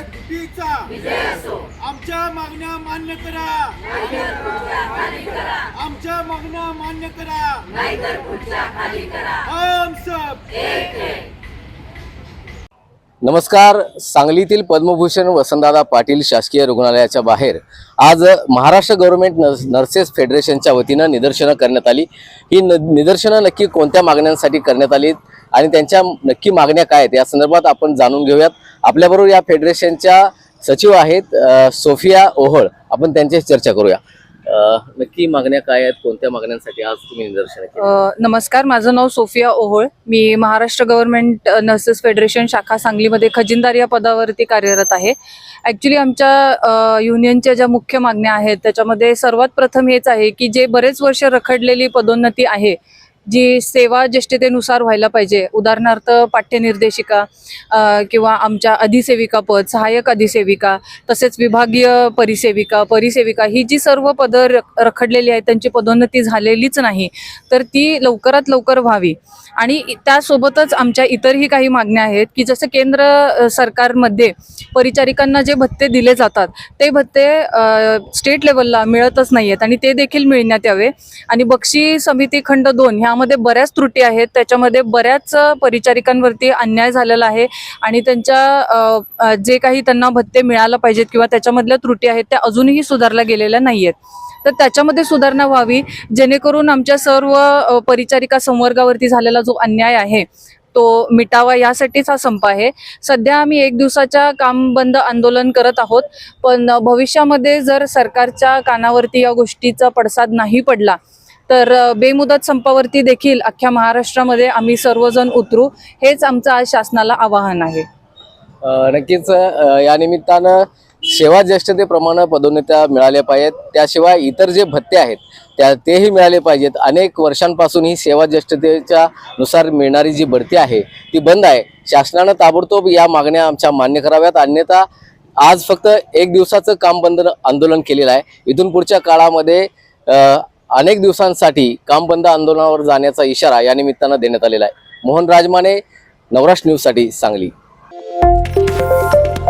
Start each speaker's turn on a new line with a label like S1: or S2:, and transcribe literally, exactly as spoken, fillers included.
S1: एकजुटीचा आमच्या मागण्या मान्य करा, आमच्या मागण्या मान्य करा, हम सब
S2: नमस्कार। सांगलीतील पद्मभूषण वसंतदादा पाटील शासकीय रुग्णालयाच्या बाहेर आज महाराष्ट्र गव्हर्नमेंट नर्सेस फेडरेशनच्या वतीनं निदर्शनं करण्यात आली। ही निदर्शनं नक्की कोणत्या मागण्यांसाठी करण्यात आली आणि त्यांच्या नक्की मागण्या काय आहेत या संदर्भात आपण जाणून घेऊयात। आपल्याबरोबर या फेडरेशनच्या सचिव आहेत सोफिया ओहळ, आपण त्यांच्याशी चर्चा करूया। नक्की मागण्या काय आहेत, कोणत्या मागण्यांसाठी आज तुम्ही निदर्शन केली?
S3: नमस्कार, माझं नाव सोफिया ओहोळ, मी महाराष्ट्र गव्हर्नमेंट नर्सेस फेडरेशन शाखा सांगलीमध्ये खजिनदार या पदावरती कार्यरत आहे। ॲक्च्युली आमच्या युनियनच्या ज्या मुख्य मागण्या आहेत त्याच्यामध्ये सर्वात प्रथम हेच आहे की जे बरेच वर्ष रखडलेली पदोन्नती आहे जी सेवा ज्येष्ठतेनुसार व्हायला पाहिजे, उदाहरणार्थ पाठ्यनिर्देशिका किंवा आमच्या अधिसेविका पद, सहाय्यक अधिसेविका, तसेच विभागीय परिसेविका, परिसेविका, ही जी सर्व पदं रखडलेली आहेत त्यांची पदोन्नती झालेलीच नाही, तर ती लवकरात लवकर व्हावी। आणि त्यासोबतच आमच्या इतरही काही मागण्या आहेत की जसं केंद्र सरकारमध्ये परिचारिकांना जे भत्ते दिले जातात ते भत्ते स्टेट लेवलला मिळतच नाही आहेत आणि ते देखील मिळण्यात यावे। आणि बक्षी समिती खंड दोन ह्यामध्ये बऱ्याच त्रुटी आहेत, त्याच्यामध्ये बऱ्याच परिचारिकांवरती अन्याय झालेला आहे आणि त्यांच्या जे काही त्यांना भत्ते मिळायला पाहिजेत किंवा त्याच्यामधल्या त्रुटी आहेत त्या अजूनही सुधारल्या गेलेल्या नाही आहेत, तर त्याच्यामध्ये सुधारणा व्हावी जेणेकरून आमच्या सर्व परिचारिका संवर्गावरती झालेला जो अन्याय आहे तो मिटावा, यासाठीच हा संप आहे। सध्या आम्ही एक दिवसाच्या काम बंद आंदोलन करत आहोत, पण भविष्यामध्ये जर सरकारच्या कानावरती या गोष्टीचा पडसाद नाही पडला तर बेमुदत संपावरती देखील अख्ख्या महाराष्ट्रामध्ये आम्ही सर्वजण उतरू, हेच आमचं आज शासनाला आवाहन आहे।
S2: नक्कीच या निमित्तानं सेवा ज्येष्ठतेप्रमाणे पदोन्नत्या मिळाल्या पाहिजेत, त्याशिवाय इतर जे भत्ते आहेत त्या तेही मिळाले पाहिजेत। अनेक वर्षांपासून ही सेवा ज्येष्ठतेच्या नुसार मिळणारी जी बढती आहे ती बंद आहे। शासनानं ताबडतोब या मागण्या आमच्या मान्य कराव्यात, अन्यथा आज फक्त एक दिवसाचं काम बंद आंदोलन केलेलं आहे। इथून पुढच्या काळामध्ये अनेक दिवसांसाठी काम बंद आंदोलनावर जाण्याचा इशारा या निमित्तानं देण्यात आलेला आहे। मोहन राजमाने, नवराष्ट्र न्यूजसाठी सांगली।